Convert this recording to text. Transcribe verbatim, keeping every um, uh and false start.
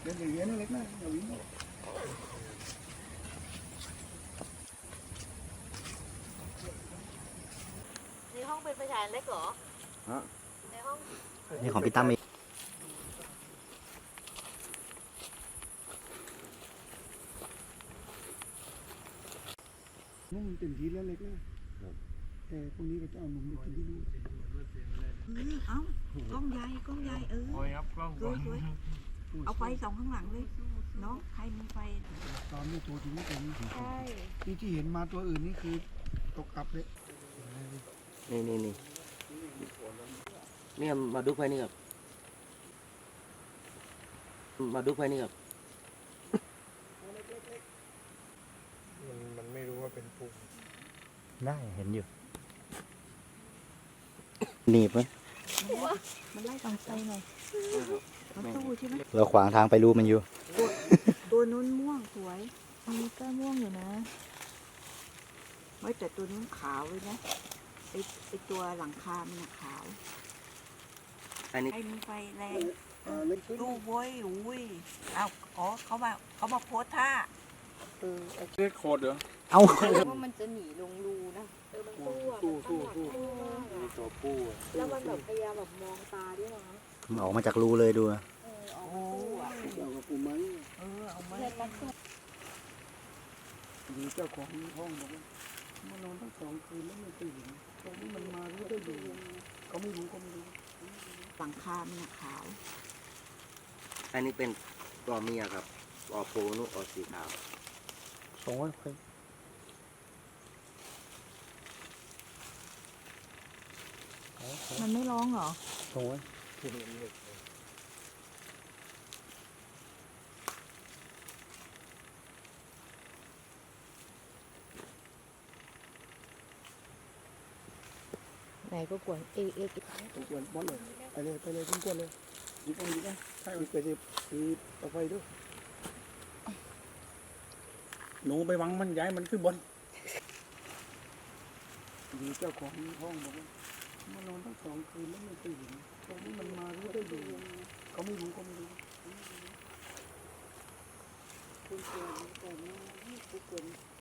เป็นอย่างนี้นั่นเล็กนะอย่าวิ่งในห้องเป็นไฟฉายเล็กเหรอฮะในห้องนี่ของพี่ตั้มเองนู่นเป็นทีแล้วเล็กนะแต่พวกนี้ก็จะเอานมไปกินที่นู่นเอ้ากล้องใหญ่กล้องใหญ่เออโอ้ยครับกล้องสวยสวยเอาไฟสองข้างหลังเลยเนาะใครมีไฟตอนนี้ตัวจริงไม่เป็นใช่ที่ที่เห็นมาตัวอื่นนี่คือตกอับเลยนี่นี่นี่นี่มาดูไฟนี่ครับมาดูไฟนี่ครับมันมันไม่รู้ว่าเป็นปุ่มได้เห็นอยู่หนีบไหมมันไล่ตองไฟหน่อยมันสู้ใช่ไหมเราขวางทางไปรูมันอยู่ตัวนู้นม่วงสวยอันนี้ก็ม่วงอยู่นะไม่แต่ตัวนู้นขาวเลยนะไอไอตัวหลังคามันขาวอันนี้ใครมีไฟแรงเล่นขึ้นดูโว้ยอุ้ยเอาอ๋อเขามาเขามาโพสท่าเออเล็กโคตรเหรอเอาว่ามันจะหนีลงรูนะเออมันสู้อ่ะสู้สู้สู้มีตัวผู้แล้วมันแบบพยายามแบบมองตาด้วยนะมันออกมาจากรูเลยดูเออออกมาสู้อ่ะเจ้ากับปูไม้เออเอามาเพื่อนกันสู้ดีเจ้าของห้องบอกว่ามานอนตั้งสองคืนแล้วไม่ตื่นตอนนี้มันมารู้ได้ดูเขาไม่รู้เขาไม่รู้หลังคามันขาวอันนี้เป็นตัวเมียครับออกโพนุออกสีขาวสองวันใครมันไม่ร้องเหรอสองวันไหนก็กวนเอกเอกตัวกวนบอลเลยไปเลยไปเลยทิ้งกวนเลยยิงไปยิงไปใช่ไปดิคือเอาไปด้วยหนูไปวังมันย้ายมันขึ้นบนดีเจ้าของห้องบอกว่ามานอนตั้งสองคืนแล้วไม่ตื่นตอนนี้มันมารู้ได้ดูเขาไม่รู้เขาไม่รู้คุณเกินแต่ไม่คุณเกิน